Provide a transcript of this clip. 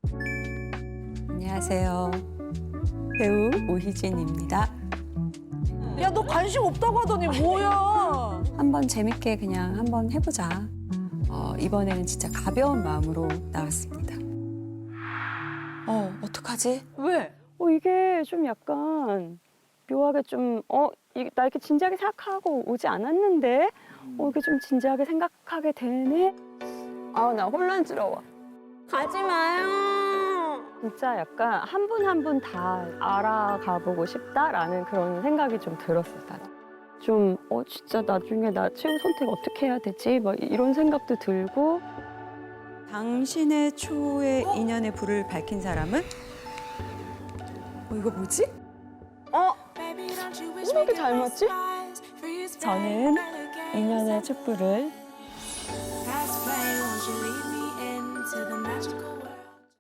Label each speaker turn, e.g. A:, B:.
A: 안녕하세요. 배우 오희진입니다.
B: 야, 너 관심 없다고 하더니 뭐야?
A: 한번 재밌게 그냥 한번 해보자. 이번에는 진짜 가벼운 마음으로 나왔습니다. 어떡하지?
B: 왜?
C: 이게 좀 약간 묘하게 좀, 나 이렇게 진지하게 생각하고 오지 않았는데, 이게 좀 진지하게 생각하게 되네? 나 혼란스러워.
D: 가지 마요.
C: 진짜 약간 한 분 한 분 다 알아가 보고 싶다라는 그런 생각이 좀 들었어요. 좀, 진짜 나중에 나 최후 선택 어떻게 해야 되지? 막 이런 생각도 들고.
A: 당신의 초의 인연의 불을 밝힌 사람은? 이거 뭐지?
C: 이렇게 잘 맞지?
D: 저는 인연의 촛불을